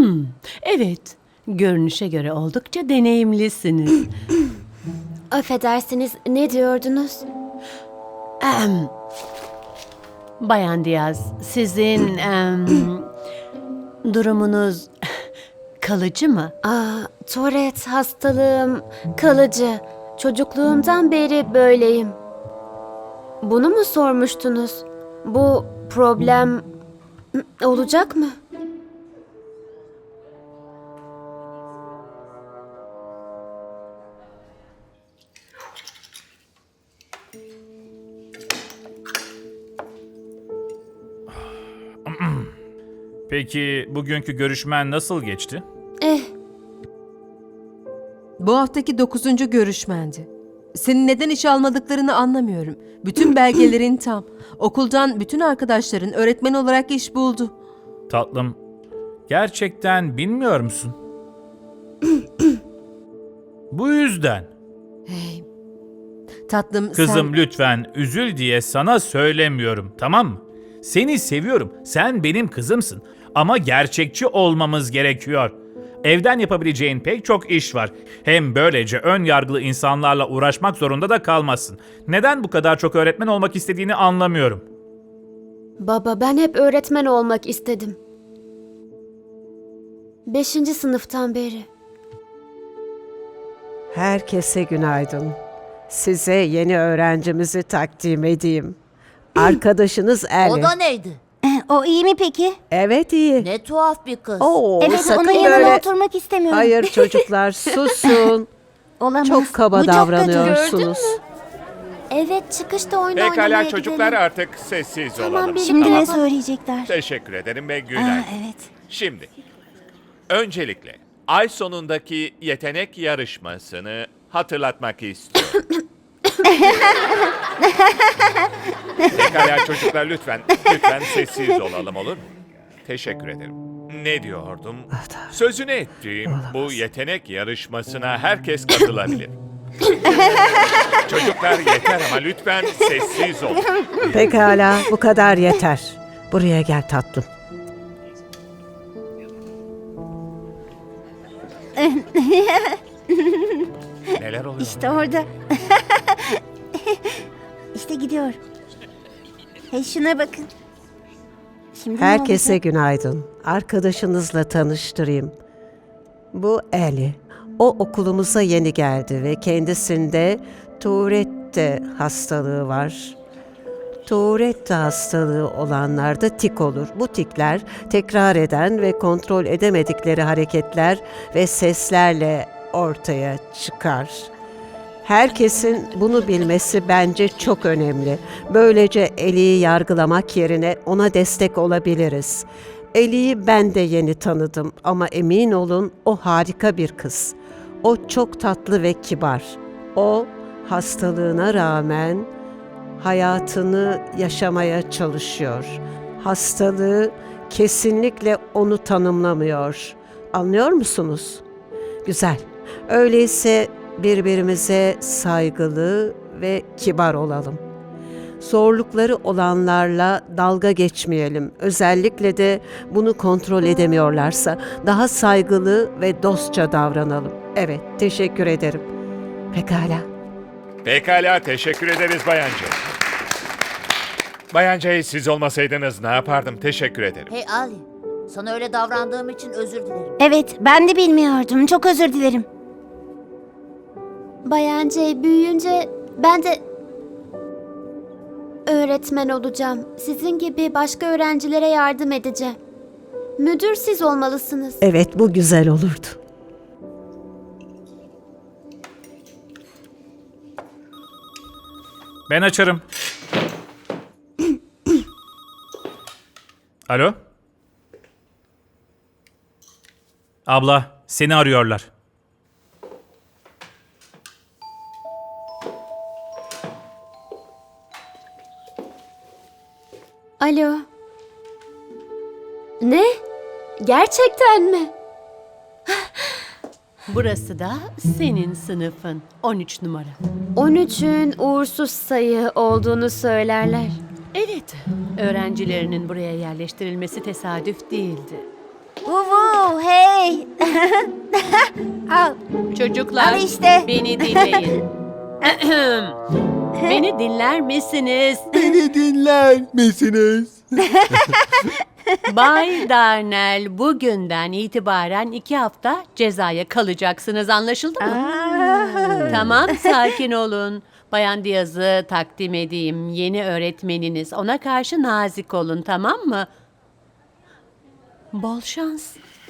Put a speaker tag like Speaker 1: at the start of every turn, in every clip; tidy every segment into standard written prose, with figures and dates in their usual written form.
Speaker 1: Evet, görünüşe göre oldukça deneyimlisiniz.
Speaker 2: Affedersiniz, ne diyordunuz?
Speaker 1: Bayan Diaz, sizin durumunuz kalıcı mı?
Speaker 2: Tourette hastalığım kalıcı. Çocukluğumdan beri böyleyim. Bunu mu sormuştunuz? Bu problem olacak mı?
Speaker 3: Peki bugünkü görüşmen nasıl geçti?
Speaker 4: Bu haftaki 9. görüşmendi. Senin neden işe almadıklarını anlamıyorum. Bütün belgelerin tam. Okuldan bütün arkadaşların öğretmen olarak iş buldu.
Speaker 3: Tatlım, gerçekten bilmiyor musun? Bu yüzden.
Speaker 4: Hey. Tatlım
Speaker 3: Kızım
Speaker 4: sen...
Speaker 3: lütfen üzül diye sana söylemiyorum, tamam mı? Seni seviyorum, sen benim kızımsın. Ama gerçekçi olmamız gerekiyor. Evden yapabileceğin pek çok iş var. Hem böylece ön yargılı insanlarla uğraşmak zorunda da kalmazsın. Neden bu kadar çok öğretmen olmak istediğini anlamıyorum.
Speaker 2: Baba, ben hep öğretmen olmak istedim. 5. sınıftan beri.
Speaker 5: Herkese günaydın. Size yeni öğrencimizi takdim edeyim. Arkadaşınız
Speaker 6: O
Speaker 5: Ellie.
Speaker 6: da neydi?
Speaker 7: O iyi mi peki?
Speaker 5: Evet iyi.
Speaker 6: Ne tuhaf bir kız.
Speaker 5: Oo,
Speaker 7: Evet,
Speaker 5: sakın
Speaker 7: onun yanına
Speaker 5: böyle...
Speaker 7: oturmak istemiyorum.
Speaker 5: Hayır çocuklar susun.
Speaker 7: Olamaz.
Speaker 5: Çok kaba
Speaker 7: Bu çok kötü.
Speaker 5: davranıyorsunuz.
Speaker 2: Evet, çıkışta oyun oynamaya
Speaker 8: Pekala çocuklar
Speaker 2: gidelim.
Speaker 8: artık sessiz
Speaker 2: Tamam,
Speaker 8: olalım.
Speaker 2: bir-
Speaker 7: Şimdi
Speaker 2: Tamam.
Speaker 7: ne söyleyecekler?
Speaker 8: Teşekkür ederim ve
Speaker 7: Aa,
Speaker 8: günaydın.
Speaker 7: evet.
Speaker 8: Şimdi, öncelikle ay sonundaki yetenek yarışmasını hatırlatmak istiyorum. Pekala çocuklar lütfen sessiz olalım olur mu? Teşekkür ederim. Ne diyordum? Sözünü ettiğim bu yetenek yarışmasına herkes katılabilir. Çocuklar yeter ama lütfen sessiz olun.
Speaker 5: Pekala bu kadar yeter. Buraya gel tatlım.
Speaker 8: Neler oluyor?
Speaker 7: İşte orada. İşte gidiyor. Hey şuna bakın. Şimdi ne
Speaker 5: Herkese
Speaker 7: olacak?
Speaker 5: günaydın. Arkadaşınızla tanıştırayım. Bu Ellie. O okulumuza yeni geldi ve kendisinde Tourette hastalığı var. Tourette hastalığı olanlarda tik olur. Bu tikler tekrar eden ve kontrol edemedikleri hareketler ve seslerle ortaya çıkar. Herkesin bunu bilmesi bence çok önemli. Böylece Ellie'yi yargılamak yerine ona destek olabiliriz. Ellie'yi ben de yeni tanıdım ama emin olun o harika bir kız. O çok tatlı ve kibar. O hastalığına rağmen hayatını yaşamaya çalışıyor. Hastalığı kesinlikle onu tanımlamıyor. Anlıyor musunuz? Güzel. Öyleyse birbirimize saygılı ve kibar olalım. Zorlukları olanlarla dalga geçmeyelim. Özellikle de bunu kontrol edemiyorlarsa daha saygılı ve dostça davranalım. Evet, teşekkür ederim. Pekala.
Speaker 8: Pekala teşekkür ederiz Bayan Jay. Bayan Jay siz olmasaydınız ne yapardım? Teşekkür ederim.
Speaker 6: Hey Ali, sana öyle davrandığım için özür dilerim.
Speaker 7: Evet, ben de bilmiyordum. Çok özür dilerim.
Speaker 2: Bayan J, büyüyünce ben de öğretmen olacağım. Sizin gibi başka öğrencilere yardım edeceğim. Müdür siz olmalısınız.
Speaker 5: Evet, bu güzel olurdu.
Speaker 3: Ben açarım. Alo? Abla, seni arıyorlar.
Speaker 2: Alo. Ne? Gerçekten mi?
Speaker 1: Burası da senin sınıfın. 13 numara.
Speaker 2: 13'ün uğursuz sayı olduğunu söylerler.
Speaker 1: Evet, öğrencilerinin buraya yerleştirilmesi tesadüf değildi.
Speaker 7: Vuvu, hey! Al.
Speaker 1: Çocuklar,
Speaker 7: Al işte.
Speaker 1: beni dinleyin. Beni dinler misiniz?
Speaker 9: Beni dinler misiniz?
Speaker 1: Bay Darnell, bugünden itibaren 2 hafta cezaya kalacaksınız, anlaşıldı mı? Tamam, sakin olun. Bayan Diaz'ı takdim edeyim. Yeni öğretmeniniz. Ona karşı nazik olun, tamam mı? Bol şans.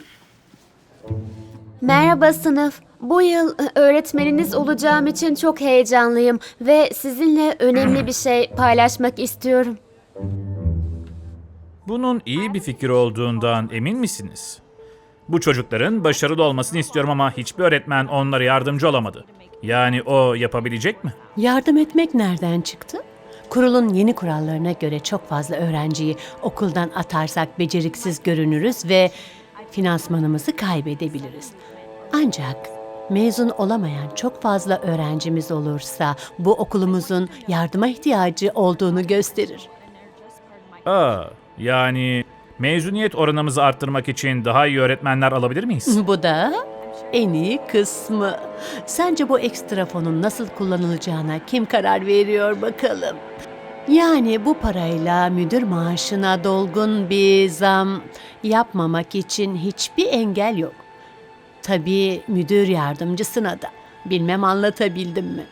Speaker 2: Merhaba sınıf. Bu yıl öğretmeniniz olacağım için çok heyecanlıyım ve sizinle önemli bir şey paylaşmak istiyorum.
Speaker 3: Bunun iyi bir fikir olduğundan emin misiniz? Bu çocukların başarılı olmasını istiyorum ama hiçbir öğretmen onlara yardımcı olamadı. Yani o yapabilecek mi?
Speaker 1: Yardım etmek nereden çıktı? Kurulun yeni kurallarına göre çok fazla öğrenciyi okuldan atarsak beceriksiz görünürüz ve finansmanımızı kaybedebiliriz. Ancak mezun olamayan çok fazla öğrencimiz olursa bu okulumuzun yardıma ihtiyacı olduğunu gösterir.
Speaker 3: Yani mezuniyet oranımızı arttırmak için daha iyi öğretmenler alabilir miyiz?
Speaker 1: Bu da en iyi kısmı. Sence bu ekstra fonun nasıl kullanılacağına kim karar veriyor bakalım? Yani bu parayla müdür maaşına dolgun bir zam yapmamak için hiçbir engel yok. Tabii müdür yardımcısına da. Bilmem anlatabildim mi?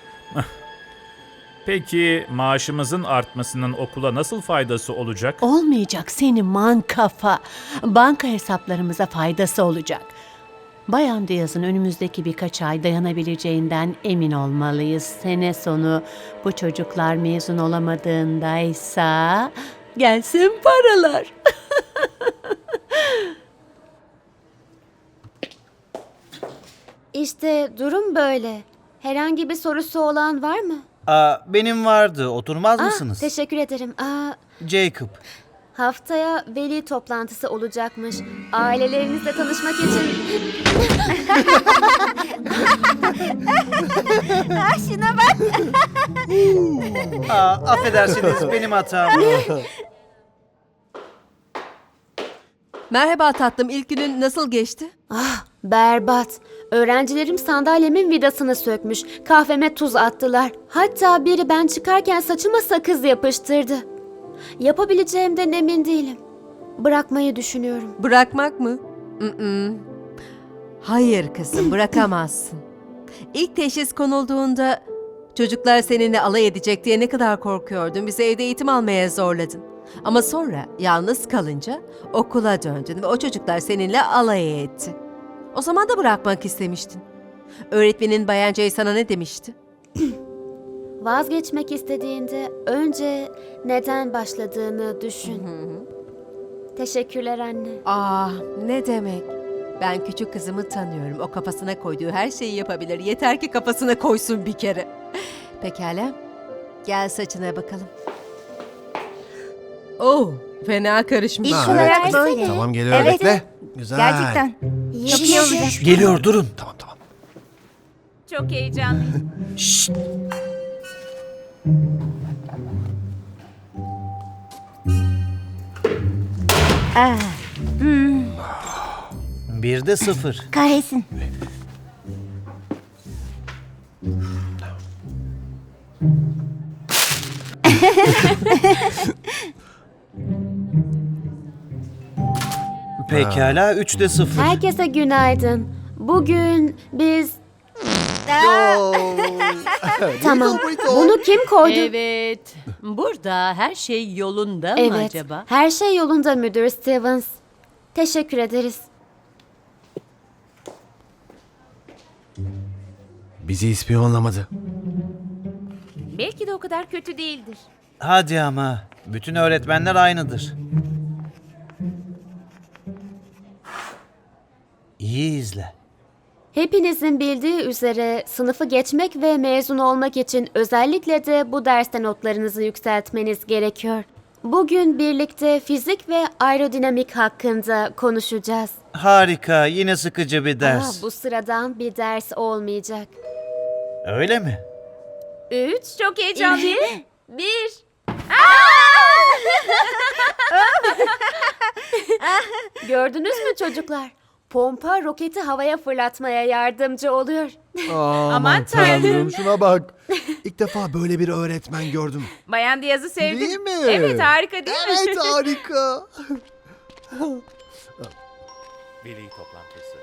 Speaker 3: Peki maaşımızın artmasının okula nasıl faydası olacak?
Speaker 1: Olmayacak senin man kafa. Banka hesaplarımıza faydası olacak. Bayan Diaz'ın önümüzdeki birkaç ay dayanabileceğinden emin olmalıyız. Sene sonu bu çocuklar mezun olamadığındaysa gelsin paralar.
Speaker 2: İşte durum böyle. Herhangi bir sorusu olan var mı?
Speaker 10: Benim vardı. Oturmaz mısınız?
Speaker 2: Teşekkür ederim.
Speaker 10: Jacob.
Speaker 2: Haftaya veli toplantısı olacakmış. Ailelerinizle tanışmak için...
Speaker 7: Şuna bak.
Speaker 10: Affedersiniz benim hatam.
Speaker 4: Merhaba tatlım, ilk günün nasıl geçti?
Speaker 2: Berbat. Öğrencilerim sandalyemin vidasını sökmüş. Kahveme tuz attılar. Hatta biri ben çıkarken saçıma sakız yapıştırdı. Yapabileceğimden emin değilim. Bırakmayı düşünüyorum.
Speaker 4: Bırakmak mı? Hayır kızım, bırakamazsın. İlk teşhis konulduğunda çocuklar seninle alay edecek diye ne kadar korkuyordun. Bizi evde eğitim almaya zorladın. Ama sonra yalnız kalınca okula döndün ve o çocuklar seninle alay etti. O zaman da bırakmak istemiştin. Öğretmenin Bayan Jay sana ne demişti?
Speaker 2: Vazgeçmek istediğinde önce neden başladığını düşün. Teşekkürler anne.
Speaker 4: Ne demek? Ben küçük kızımı tanıyorum. O kafasına koyduğu her şeyi yapabilir. Yeter ki kafasına koysun bir kere. Pekala. Gel saçına bakalım. Fena karışmış.
Speaker 7: İlk olarak böyle.
Speaker 9: Tamam geliyor
Speaker 7: Evet.
Speaker 9: bekle. Güzel.
Speaker 7: Gerçekten. Çok iyi olacak.
Speaker 10: Geliyor durun.
Speaker 9: Tamam.
Speaker 1: Çok heyecanlıyım.
Speaker 10: Bir de 0.
Speaker 7: Kahretsin.
Speaker 10: Pekala 3 de 0.
Speaker 2: Herkese günaydın. Bugün biz... Tamam. Bunu kim koydu?
Speaker 1: Evet. Burada her şey yolunda mı
Speaker 2: Evet.
Speaker 1: acaba?
Speaker 2: Her şey yolunda müdür Stevens. Teşekkür ederiz.
Speaker 9: Bizi ispiyonlamadı.
Speaker 1: Belki de o kadar kötü değildir.
Speaker 10: Hadi ama. Bütün öğretmenler aynıdır. İyi izle.
Speaker 2: Hepinizin bildiği üzere sınıfı geçmek ve mezun olmak için özellikle de bu derste notlarınızı yükseltmeniz gerekiyor. Bugün birlikte fizik ve aerodinamik hakkında konuşacağız.
Speaker 10: Harika. Yine sıkıcı bir ders.
Speaker 2: Bu sıradan bir ders olmayacak.
Speaker 10: Öyle mi?
Speaker 1: 3, çok heyecanlı. 1.
Speaker 2: Gördünüz mü çocuklar? Pompa roketi havaya fırlatmaya yardımcı oluyor.
Speaker 9: Aman tanrım şuna bak. İlk defa böyle bir öğretmen gördüm.
Speaker 11: Bayan Diyaz'ı sevdim.
Speaker 9: Değil mi?
Speaker 11: Evet, harika değil mi?
Speaker 9: Evet harika.
Speaker 8: Veli toplantısı.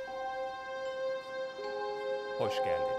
Speaker 8: Hoş geldiniz.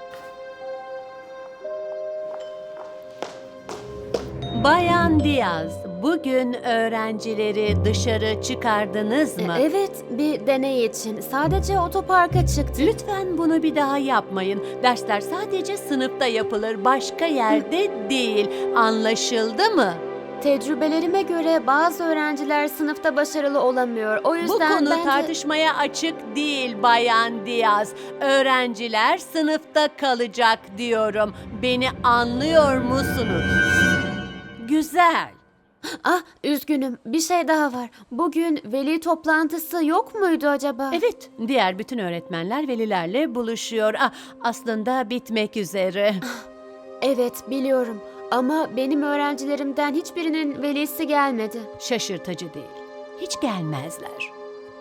Speaker 1: Bayan Diaz, bugün öğrencileri dışarı çıkardınız mı?
Speaker 2: Evet, bir deney için. Sadece otoparka çıktı.
Speaker 1: Lütfen bunu bir daha yapmayın. Dersler sadece sınıfta yapılır, başka yerde değil. Anlaşıldı mı?
Speaker 2: Tecrübelerime göre bazı öğrenciler sınıfta başarılı olamıyor. O
Speaker 1: Bu
Speaker 2: yüzden
Speaker 1: konu
Speaker 2: ben de...
Speaker 1: tartışmaya açık değil Bayan Diaz. Öğrenciler sınıfta kalacak diyorum. Beni anlıyor musunuz? Güzel.
Speaker 2: Ah, üzgünüm. Bir şey daha var. Bugün veli toplantısı yok muydu acaba?
Speaker 1: Evet, diğer bütün öğretmenler velilerle buluşuyor. Aslında bitmek üzere.
Speaker 2: Evet, biliyorum. Ama benim öğrencilerimden hiçbirinin velisi gelmedi.
Speaker 1: Şaşırtıcı değil. Hiç gelmezler.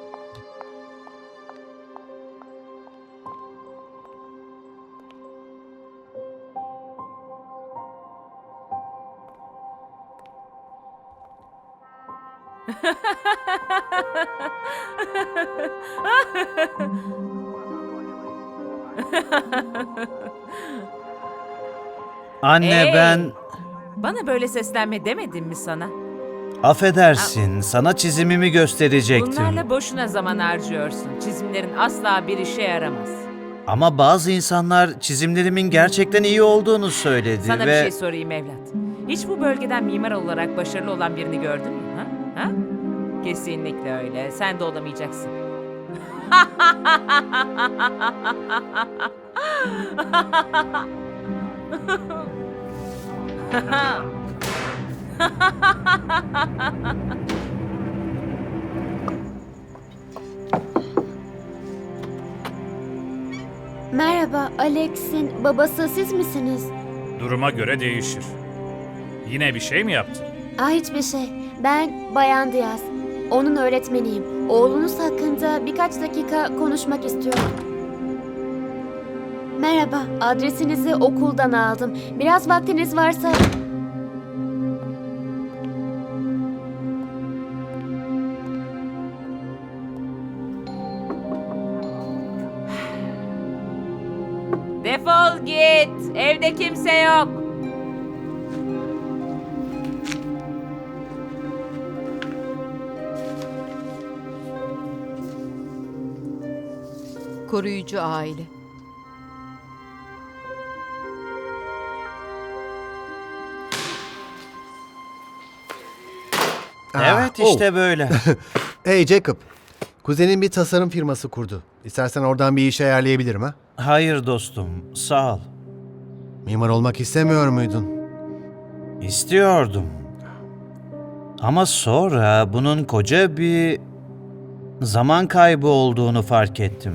Speaker 10: Anne
Speaker 11: Hey!
Speaker 10: ben...
Speaker 11: Bana böyle seslenme demedim mi sana?
Speaker 10: Affedersin, sana çizimimi gösterecektim.
Speaker 11: Bunlarla boşuna zaman harcıyorsun. Çizimlerin asla bir işe yaramaz.
Speaker 10: Ama bazı insanlar çizimlerimin gerçekten iyi olduğunu söyledi
Speaker 11: Sana
Speaker 10: ve...
Speaker 11: bir şey sorayım evlat. Hiç bu bölgeden mimar olarak başarılı olan birini gördün mü? Ha? Kesinlikle öyle. Sen de olamayacaksın.
Speaker 2: Merhaba, Alex'in babası siz misiniz?
Speaker 3: Duruma göre değişir. Yine bir şey mi yaptın?
Speaker 2: Hiçbir şey. Ben Bayan Diaz. Onun öğretmeniyim. Oğlunuz hakkında birkaç dakika konuşmak istiyorum. Merhaba, adresinizi okuldan aldım. Biraz vaktiniz varsa...
Speaker 11: Defol git. Evde kimse yok.
Speaker 4: Koruyucu aile.
Speaker 10: Evet işte böyle.
Speaker 9: Hey Jacob. Kuzenin bir tasarım firması kurdu. İstersen oradan bir iş ayarlayabilirim ha?
Speaker 10: Hayır dostum, sağ ol.
Speaker 9: Mimar olmak istemiyor muydun?
Speaker 10: İstiyordum. Ama sonra bunun koca bir zaman kaybı olduğunu fark ettim.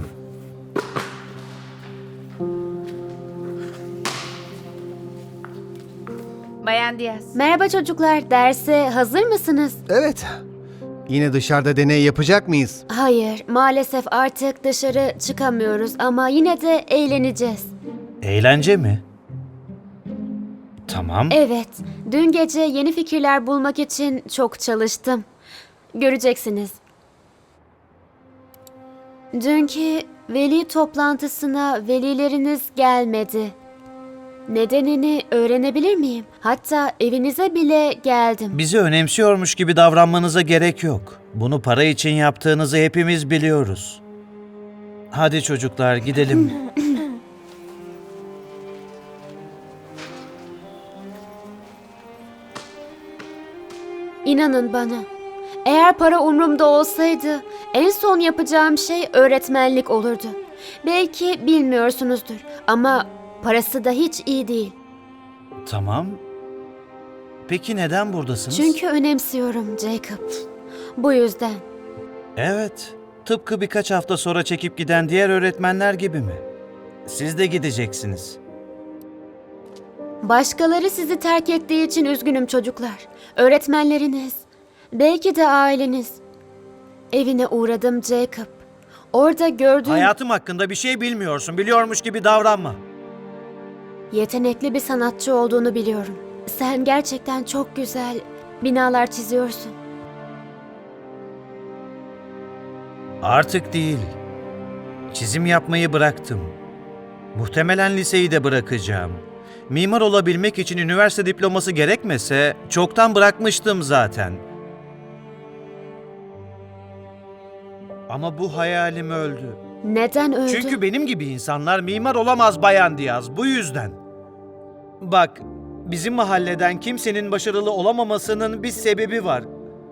Speaker 11: Bayan Diyaz.
Speaker 2: Merhaba çocuklar, derse hazır mısınız?
Speaker 9: Evet. Yine dışarıda deney yapacak mıyız?
Speaker 2: Hayır, maalesef artık dışarı çıkamıyoruz ama yine de eğleneceğiz.
Speaker 10: Eğlence mi? Tamam.
Speaker 2: Evet, dün gece yeni fikirler bulmak için çok çalıştım. Göreceksiniz. Dünkü veli toplantısına velileriniz gelmedi. Nedenini öğrenebilir miyim? Hatta evinize bile geldim.
Speaker 10: Bizi önemsiyormuş gibi davranmanıza gerek yok. Bunu para için yaptığınızı hepimiz biliyoruz. Hadi çocuklar gidelim.
Speaker 2: İnanın bana. Eğer para umrumda olsaydı en son yapacağım şey öğretmenlik olurdu. Belki bilmiyorsunuzdur ama parası da hiç iyi değil.
Speaker 10: Tamam. Peki neden buradasınız?
Speaker 2: Çünkü önemsiyorum Jacob. Bu yüzden.
Speaker 10: Evet. Tıpkı birkaç hafta sonra çekip giden diğer öğretmenler gibi mi? Siz de gideceksiniz.
Speaker 2: Başkaları sizi terk ettiği için üzgünüm çocuklar. Öğretmenleriniz, belki de aileniz. Evine uğradım Jacob. Orada gördüğüm
Speaker 10: Hayatım hakkında bir şey bilmiyorsun. Biliyormuş gibi davranma.
Speaker 2: yetenekli bir sanatçı olduğunu biliyorum. Sen gerçekten çok güzel binalar çiziyorsun.
Speaker 10: Artık değil. Çizim yapmayı bıraktım. Muhtemelen liseyi de bırakacağım. Mimar olabilmek için üniversite diploması gerekmese çoktan bırakmıştım zaten. Ama bu hayalim öldü.
Speaker 2: Neden öldü?
Speaker 10: Çünkü benim gibi insanlar mimar olamaz Bayan Diaz, bu yüzden. Bak, bizim mahalleden kimsenin başarılı olamamasının bir sebebi var.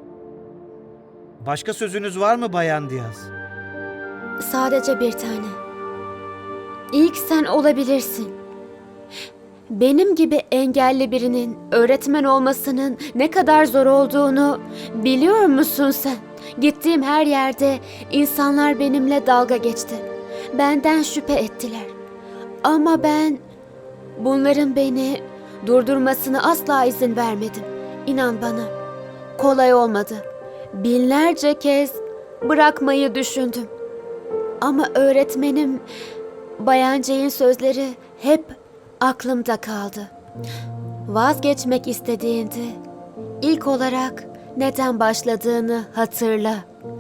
Speaker 10: Başka sözünüz var mı Bayan Diaz?
Speaker 2: Sadece bir tane. İlk sen olabilirsin. Benim gibi engelli birinin öğretmen olmasının ne kadar zor olduğunu biliyor musun sen? Gittiğim her yerde insanlar benimle dalga geçti. Benden şüphe ettiler. Ama ben bunların beni durdurmasına asla izin vermedim. İnan bana, kolay olmadı. Binlerce kez bırakmayı düşündüm. Ama öğretmenim Bayan Jay'in sözleri hep aklımda kaldı. Vazgeçmek istediğinde ilk olarak neden başladığını hatırla.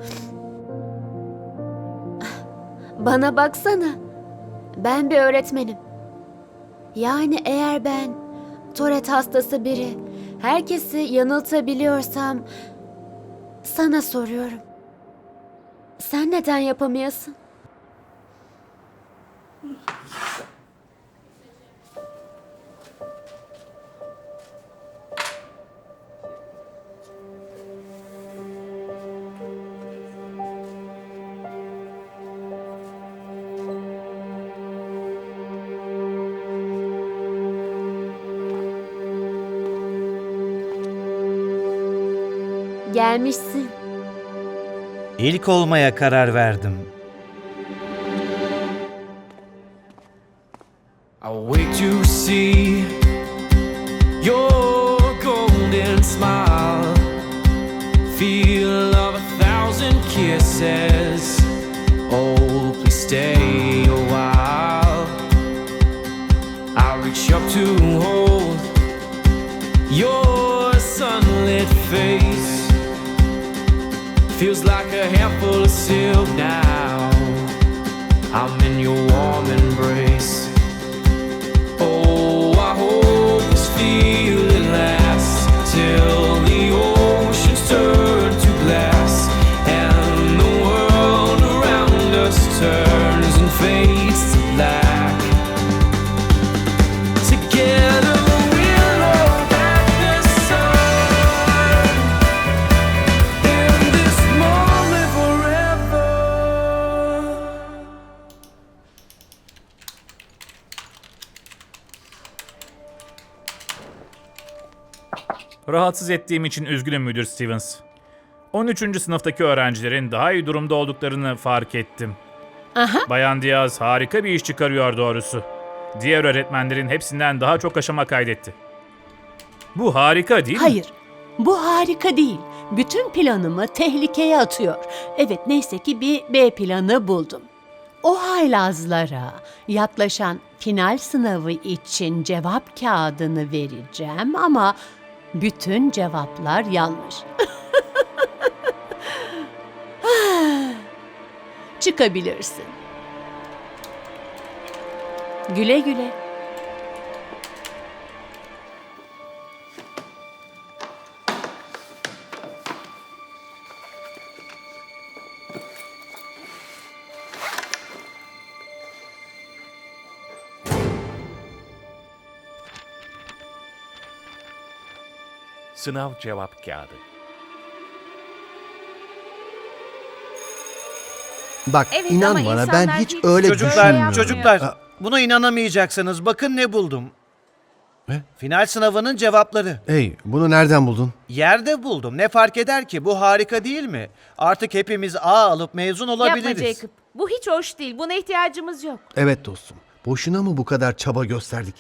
Speaker 2: Bana baksana. Ben bir öğretmenim. Yani eğer ben Tourette hastası biri, herkesi yanıltabiliyorsam sana soruyorum. Sen neden yapamayasın? Gelmişsin.
Speaker 10: İlk olmaya karar verdim.
Speaker 12: I wait to see your golden smile, feel of 1,000 kisses. Oh, please stay a while. I reach up to hold your sunlit face. Feels like a handful of silk now. I'm in your warm embrace. Oh, I hope this feeling lasts till the oceans turn to glass and the world around us turns and fades to black. Together we'll hold back the sun in this moment forever.
Speaker 3: Rahatsız ettiğim için üzgünüm Müdür Stevens. 13. sınıftaki öğrencilerin daha iyi durumda olduklarını fark ettim.
Speaker 1: Aha.
Speaker 3: Bayan Diaz harika bir iş çıkarıyor doğrusu. Diğer öğretmenlerin hepsinden daha çok aşama kaydetti. Bu harika değil mi?
Speaker 1: Hayır, bu harika değil. Bütün planımı tehlikeye atıyor. Evet, neyse ki bir B planı buldum. O haylazlara yaklaşan final sınavı için cevap kağıdını vereceğim ama bütün cevaplar yanlış. Çıkabilirsin. Güle güle.
Speaker 8: Sınav cevap kağıdı.
Speaker 9: Bak
Speaker 7: Evet,
Speaker 9: inan
Speaker 7: ama
Speaker 9: bana
Speaker 7: insanlar
Speaker 9: ben hiç
Speaker 7: hiç
Speaker 9: öyle
Speaker 10: Çocuklar,
Speaker 9: düşünmüyorum.
Speaker 10: çocuklar, buna inanamayacaksınız. Bakın ne buldum.
Speaker 9: Ne?
Speaker 10: Final sınavının cevapları.
Speaker 9: Hey, bunu nereden buldun?
Speaker 10: Yerde buldum. Ne fark eder ki? Bu harika değil mi? Artık hepimiz A alıp mezun olabiliriz.
Speaker 11: Yapma Jacob. Bu hiç hoş değil. Buna ihtiyacımız yok.
Speaker 9: Evet dostum. Boşuna mı bu kadar çaba gösterdik?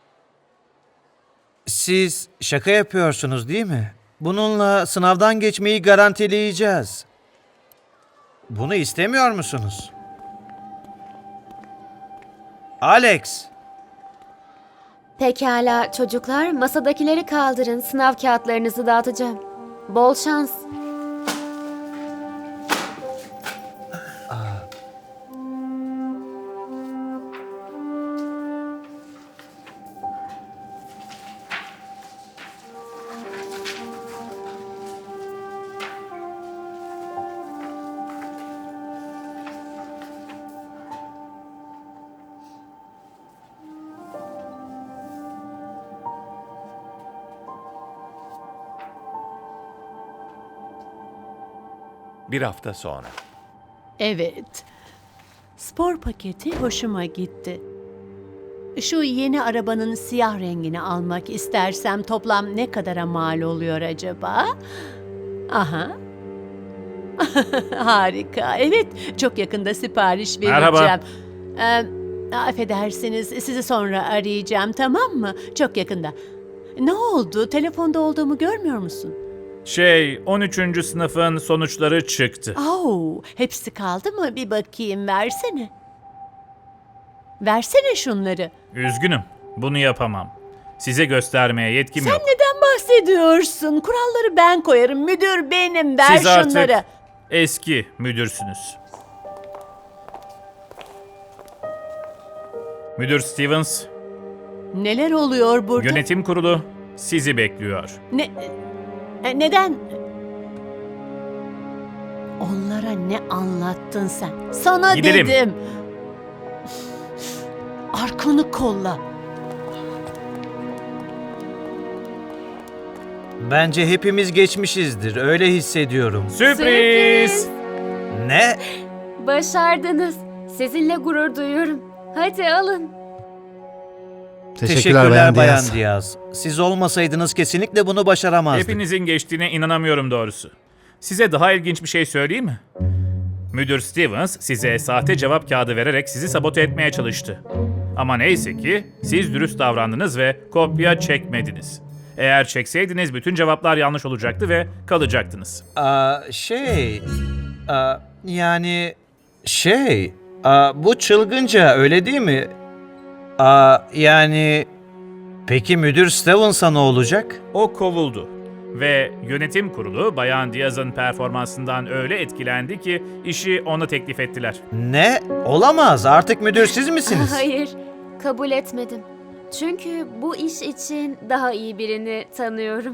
Speaker 10: Siz şaka yapıyorsunuz değil mi? Bununla sınavdan geçmeyi garantileyeceğiz. Bunu istemiyor musunuz? Alex!
Speaker 2: Pekala çocuklar, masadakileri kaldırın. Sınav kağıtlarınızı dağıtacağım. Bol şans.
Speaker 8: Bir hafta sonra.
Speaker 1: Evet. Spor paketi hoşuma gitti. Şu yeni arabanın siyah rengini almak istersem toplam ne kadara mal oluyor acaba? Aha. Harika. Evet, çok yakında sipariş vereceğim.
Speaker 3: Merhaba.
Speaker 1: Affedersiniz, sizi sonra arayacağım, tamam mı? Çok yakında. Ne oldu? Telefonda olduğumu görmüyor musun?
Speaker 3: 13. sınıfın sonuçları çıktı.
Speaker 1: Hepsi kaldı mı? Bir bakayım, versene. Versene şunları.
Speaker 3: Üzgünüm, bunu yapamam. Size göstermeye yetkim
Speaker 1: Sen
Speaker 3: yok.
Speaker 1: neden bahsediyorsun? Kuralları ben koyarım. Müdür benim. Ver
Speaker 3: Siz artık
Speaker 1: şunları.
Speaker 3: eski müdürsünüz. Müdür Stevens,
Speaker 1: Neler oluyor burada?
Speaker 3: yönetim kurulu sizi bekliyor.
Speaker 1: Neden? Onlara ne anlattın sen? Sana
Speaker 3: Gidelim.
Speaker 1: dedim. Arkanı kolla.
Speaker 10: Bence hepimiz geçmişizdir. Öyle hissediyorum.
Speaker 3: Sürpriz!
Speaker 10: Ne?
Speaker 2: Başardınız. Sizinle gurur duyuyorum. Hadi alın.
Speaker 9: Teşekkürler Bayan Diaz.
Speaker 10: Diaz. Siz olmasaydınız kesinlikle bunu başaramazdık.
Speaker 3: Hepinizin geçtiğine inanamıyorum doğrusu. Size daha ilginç bir şey söyleyeyim mi? Müdür Stevens size sahte cevap kağıdı vererek sizi sabote etmeye çalıştı. Ama neyse ki siz dürüst davrandınız ve kopya çekmediniz. Eğer çekseydiniz bütün cevaplar yanlış olacaktı ve kalacaktınız.
Speaker 10: Bu çılgınca öyle değil mi? Peki müdür Stevens'a ne olacak?
Speaker 3: O kovuldu. Ve yönetim kurulu Bayan Diaz'ın performansından öyle etkilendi ki işi ona teklif ettiler.
Speaker 10: Ne? Olamaz. Artık müdür siz misiniz?
Speaker 2: Hayır, kabul etmedim. Çünkü bu iş için daha iyi birini tanıyorum.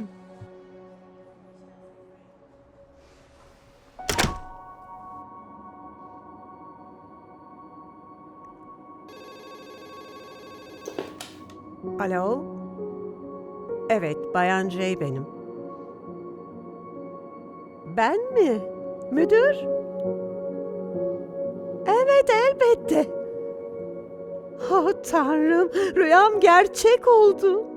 Speaker 5: Alo? Evet, Bayan J benim. Ben mi? Müdür? Evet, elbette. Oh Tanrım, rüyam gerçek oldu.